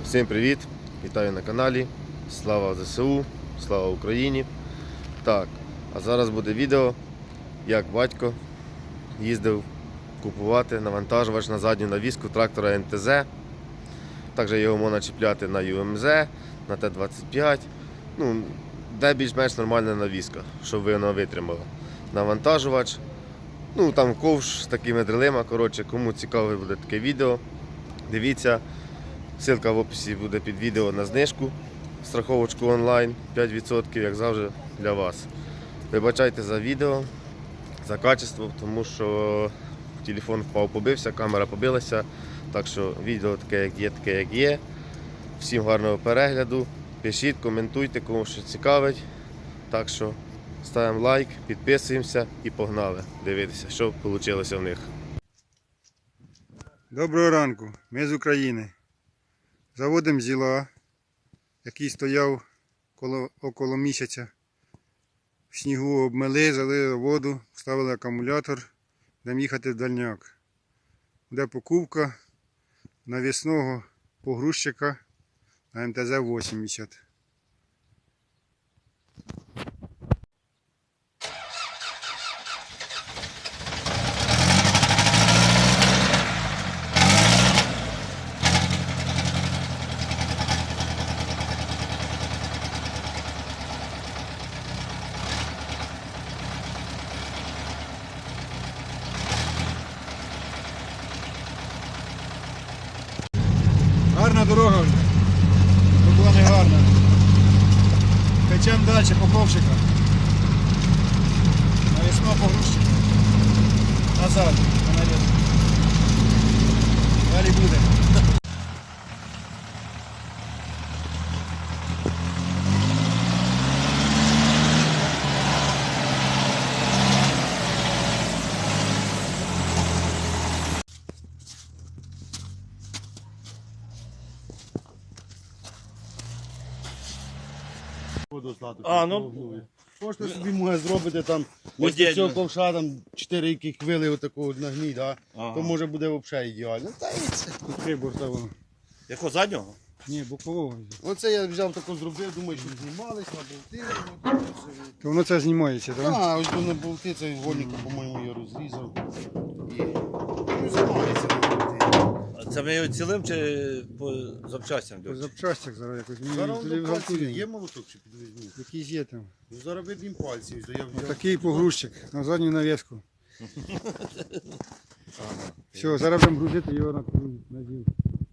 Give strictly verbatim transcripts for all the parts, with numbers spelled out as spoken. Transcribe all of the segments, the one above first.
Всім привіт! Вітаю на каналі. Слава ЗСУ, слава Україні. Так, а зараз буде відео, як батько їздив купувати навантажувач на задню навіску трактора ен те зет. Також його можна чіпляти на ю ем зет, на те двадцять п'ять. Ну, де більш-менш нормальна навіска, щоб вона витримала. Навантажувач. Ну, там ковш з такими дрелима. Коротше, кому цікаве буде таке відео, дивіться. Ссылка в описі буде під відео на знижку, страховочку онлайн, п'ять відсотків, як завжди, для вас. Вибачайте за відео, за качество, тому що телефон впав, побився, камера побилася. Так що відео таке, як є, таке, як є. Всім гарного перегляду. Пишіть, коментуйте, кому що цікавить. Так що ставимо лайк, підписуємося і погнали дивитися, що вийшло в них. Доброго ранку, ми з України. Заводимо зіла, який стояв коло, около місяця. В снігу обмили, залили воду, вставили акумулятор, будемо їхати в дальняк. Буде покупка навісного погрузчика на ем те зет вісімдесят. Гарна дорога вже, то була не гарна. Печемо далі по ковшика. Навісного погрузчика. Назад, на навіс. Далі буде. А, ну, Можете собі може зробити там ось цього ковша, там чотири які хвили отакого нагніть, да? Ага. То може буде взагалі ідеально. Та і це. Три бортового. якого заднього? Ні, бокового. Оце я взяв тако зробив, думаю, що знімались на болти. То воно це знімається, так? А, ось на болти, цей вольник, по-моєму, я розрізав. І ну, знімається на болти. А це ми його цілим чи по запчастям? По йдуть? запчастях зараз якось. Ми Зараз туди до пальців вгалтуємо. є молоток чи підвізні? Якийсь є там. Ну, зараз виб'ємо пальці. Ось, то я взяв. Такий погрузчик на задню навіску. Все, зараз будемо грузити його на на зіл.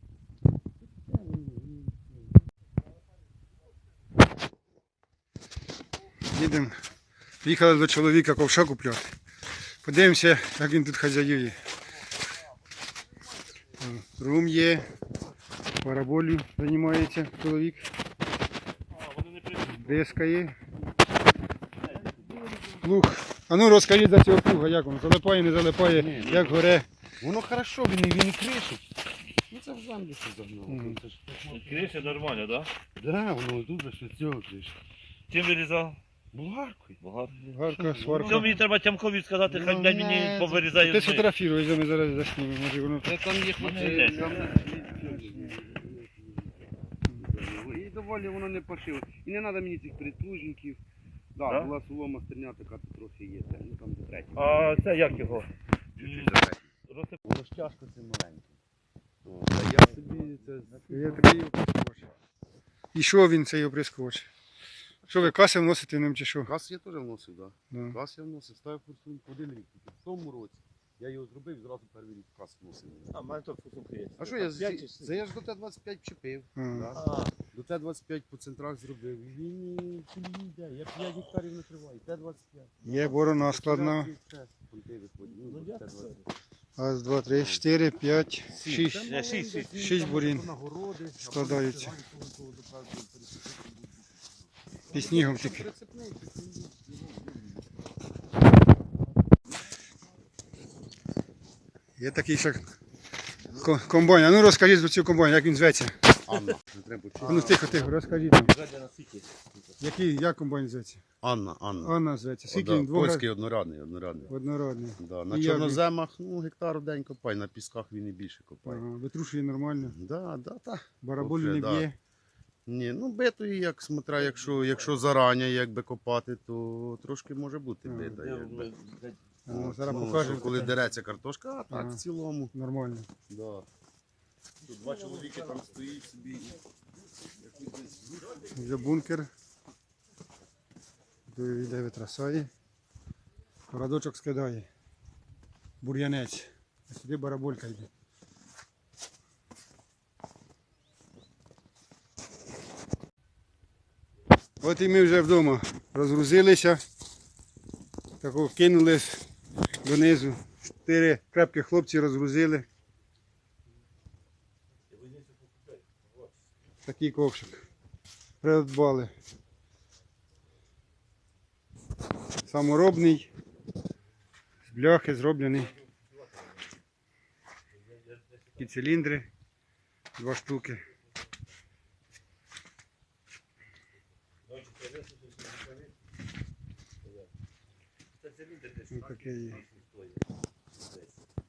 Їдемо. Приїхали до чоловіка ковша купляти. Подивимося, як він тут хазяює. Рум є, параболю займається чоловік. Диска є. Плуг. А ну розкажіть за цього плуга, як він залипає, не залипає, Ні, ні. як горе. Воно хорошо, він, і- він і кришить. Ну це в землю що загнало. Мгм. Це ж- Криша нормально, так? Да, воно дуже що з цього кришить. Чим вирізав? Булгаркою. Багато. Гарка, Що сварка. мені треба Тямкові сказати, хай Ну, блядь, не, мені це- повирізає. Ти з неї. сфотографіруй, ми зараз заснімемо, може воно... Це там є Ну, не хлопці. йде. там- І доволі воно не пошило. І не треба мені цих прислужників. Да, Да? була солома стерня, така тут трохи є. Це, ну там до третього. А це як його? Чуть-чуть до третього. Розсип- Воно ж тяжко це маленьке. О, та я собі це... Є такий оприскувач. І що він, цей оприскувач? Що ви каси вносите ним чи що? Кас я теж вносив, так. Да. Да. Кас я вносив, ставив форсунку один рік. Тільки в тому році я його зробив і зразу перший рік кас вносив. А, в мене тут футболка є. А що я, П'ять чи з- це я ж до Т двадцять п'ять вчепив. А. Да. А, До Т двадцять п'ять по центрах зробив. І він і колії йде. Я п'ять гектарів накриваю. Т двадцять п'ять. Є борона складна. Ну, я Т двадцять п'ять. Раз, два, три, чотири, п'ять, шість. Я шість, шість. Шість бурін Нагороди. складаються. Під снігом тільки. Прицепний, прицепний. Є такий ще ко- комбайн. А ну розкажіть про цю комбайн, як він зветься. Анна. Не треба А ну вчити. тихо, тихо, розкажіть нам. Жадя на скільки? Який, як комбайн зветься? Анна, Анна. Анна зветься. Скільки Да, він двох польський однорадний, однорадний. однородний. Да. На І як чорноземах, ну, гектар в день копай, на пісках він і більше копає. Ага, витрушує нормально. Да, да, та. Бараболю Вообще, не да. б'є. Ні, ну битої, як смотря, якщо, якщо зарані якби копати, то трошки може бути Ага. бита. Якби. Ага, От, зараз ну, покажемо. що коли таке. дереться картошка, а так Ага. в цілому. Нормально. Да. Тут два чоловіки там стоїть собі. Вже бункер. Тут йде витрасає. Радочок скидає. Бур'янець. А сюди бараболька йде. От і ми вже вдома розгрузилися. Тако кинулись донизу. Чотири крепкі хлопці розгрузили. Такий ковшик. Придбали. Саморобний. З бляхи зроблений. Такі циліндри. Два штуки. Ось таке є.